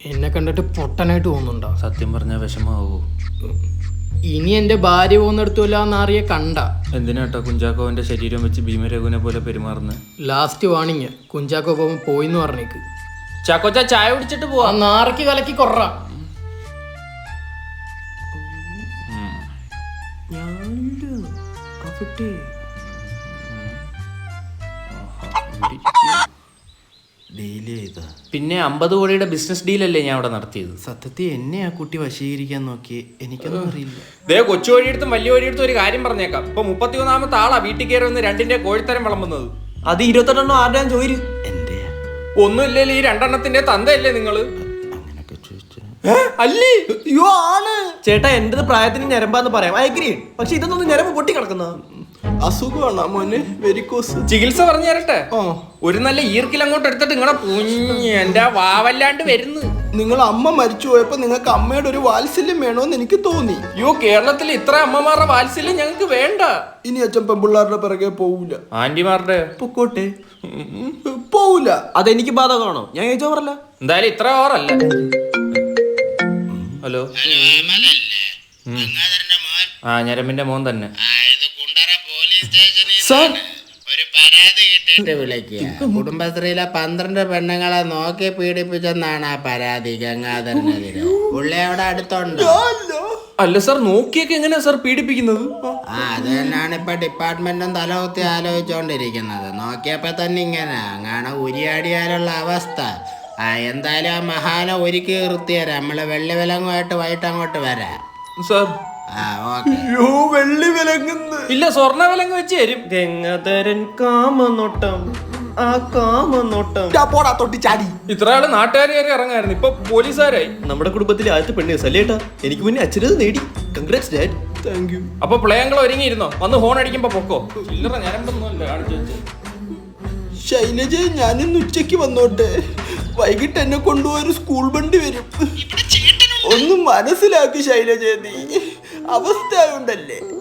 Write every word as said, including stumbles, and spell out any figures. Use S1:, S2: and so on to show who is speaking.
S1: എന്നെ കണ്ടിട്ട് പൊട്ടനായിട്ട് തോന്നുന്നുണ്ടോ?
S2: സത്യം പറഞ്ഞാൽ വിഷമാവോ?
S1: ഇനി എന്റെ ഭാര്യ പോകുന്നിടത്തുമില്ല എന്നറിയ കണ്ട.
S2: എന്തിനാട്ടോ കുഞ്ചാക്കോവന്റെ ശരീരം വെച്ച് ഭീമരഘുവിനെ പോലെ പെരുമാറുന്നത്?
S1: ലാസ്റ്റ് വാണിങ്, കുഞ്ചാക്കോ പോകുമ്പോ പോയിന്ന് പറഞ്ഞേക്ക്.
S2: ചാക്കോച്ച ചായ കുടിച്ചിട്ട് പോവാ.
S1: നാറയ്ക്ക് കലക്കി കൊറ. പിന്നെ അമ്പത് കോടിയുടെ ബിസിനസ് ഡീലല്ലേ ഞാൻ അവിടെ നടത്തിയത്.
S3: സത്യത്തിൽ എന്നെ ആ കുട്ടി വശീകരിക്കാൻ നോക്കി, എനിക്കൊന്നും അറിയില്ല.
S2: ദേ കൊച്ചു വഴിയെടുത്തും വലിയ വഴിയെടുത്തും ഒരു കാര്യം പറഞ്ഞേക്കാം. ഇപ്പൊ മുപ്പത്തി ഒന്നാമത്തെ ആളാ വീട്ടിൽ കയറി വന്ന് രണ്ടിന്റെ കോഴിത്തരം വിളമ്പുന്നത്.
S3: അത് ഇരുപത്തെണ്ണം ആരുടെയാ ചോദിച്ചു? എന്റെ
S2: ഒന്നുമില്ലല്ലോ, ഈ രണ്ടെണ്ണത്തിന്റെ തന്തയല്ലേ നിങ്ങള്?
S3: അങ്ങനൊക്കെ ചോദിച്ചു
S2: അല്ലേ?
S3: അയ്യോ ആണ് ചേട്ടാ, എന്റേത് പ്രായത്തിന് ഞരമ്പാന്ന് പറയാം, ഐ അഗ്രി. പക്ഷെ ഇതൊന്നും ഞരമ്പ് പൊട്ടി കിടക്കുന്ന അസുഖമാണ് മോനെ, വെരിക്കോസ്.
S2: ചികിത്സ പറഞ്ഞു തരട്ടെ? ഒരു നല്ല ഈർക്കിൽ അങ്ങോട്ട് എടുത്തിട്ട് നിങ്ങളെ കുഞ്ഞ് എന്റെ വാവല്ലാണ്ട് വരുന്നു.
S3: നിങ്ങൾ അമ്മ മരിച്ചു പോയപ്പോ നിങ്ങൾക്ക് അമ്മയുടെ ഒരു വാത്സല്യം വേണോന്ന് എനിക്ക് തോന്നി.
S2: അയ്യോ, കേരളത്തിൽ ഇത്ര അമ്മമാരുടെ വാത്സല്യം ഞങ്ങൾക്ക് വേണ്ട.
S3: ഇനി അച്ഛൻ പെമ്പിള്ളാരുടെ പിറകെ പോവൂല.
S2: ആന്റിമാരുടെ
S3: പൊക്കോട്ടെ, പോവൂല. അതെനിക്ക് ബാധകമാണോ? ഞാൻ ചോദിച്ചോ പറല്ല.
S2: എന്തായാലും ഇത്ര ഓറല്ല. ഹലോ, ആ ഞരമ്പിന്റെ മോൻ തന്നെ.
S4: കുടുംബശ്രീയിലെ പന്ത്രണ്ട് പെണ്ണുങ്ങളെ നോക്കി പീഡിപ്പിച്ചെന്നാണ് ആ പരാതി ഗംഗാധരനെതിരെ. പുള്ളി അവിടെ അടുത്തുണ്ട്.
S2: അല്ല സാർ, നോക്കിയൊക്കെ എങ്ങനെയാ സാർ പീഡിപ്പിക്കുന്നത്?
S4: ആ അത് തന്നെയാണ് ഇപ്പൊ ഡിപ്പാർട്ട്മെന്റും തലകുത്തി ആലോചിച്ചോണ്ടിരിക്കുന്നത്. നോക്കിയപ്പോ തന്നെ ഇങ്ങനെ അങ്ങനെ ഉരിയാടിയാലുള്ള അവസ്ഥ. ആ എന്തായാലും ആ മഹാന ഒരുക്കി നിർത്തിയരാം. നമ്മള് വെള്ളി വിലങ്ങുമായിട്ട് വൈകിട്ട് അങ്ങോട്ട് വരാം
S2: സാർ.
S4: ആ ഓക്കെ.
S3: വെള്ളി വിലങ്ങുന്നു
S2: ഇല്ല, സ്വർണ്ണ വിലങ്ങ് വെച്ച് തരും.
S3: ഗംഗാധരൻ കാമനോട്ടം, ആ കാമനോട്ടം പോടാ തൊട്ടി ചാടി.
S2: ഇത്ര ആള് നാട്ടുകാർ കയറി ഇറങ്ങായിരുന്നു, ഇപ്പൊ പോലീസുകാരായി.
S3: നമ്മുടെ കുടുംബത്തിലെ ആദ്യത്തെ പെണ്ണ് സല്ലേട്ടാ, എനിക്ക് മുന്നേ അച്ഛനത് നേടി. Congrats dad. Thank you.
S2: അപ്പൊ പ്ലേയങ്ങൾ ഒരുങ്ങിയിരുന്നോ? വന്ന് ഹോൺ അടിക്കുമ്പോ പൊക്കോ. ചില്ലറ ഞരമ്പൊന്നുമല്ല കാണിച്ചു വെച്ചത്.
S3: ശൈലജ, ഞാനിന്ന് ഉച്ചക്ക് വന്നോട്ടെ. വൈകിട്ട് എന്നെ കൊണ്ടുപോയൊരു സ്കൂൾ വണ്ടി വരും. ഒന്ന് മനസ്സിലാക്കി ശൈലജ, നീ അവസ്ഥ ഉണ്ടല്ലേ.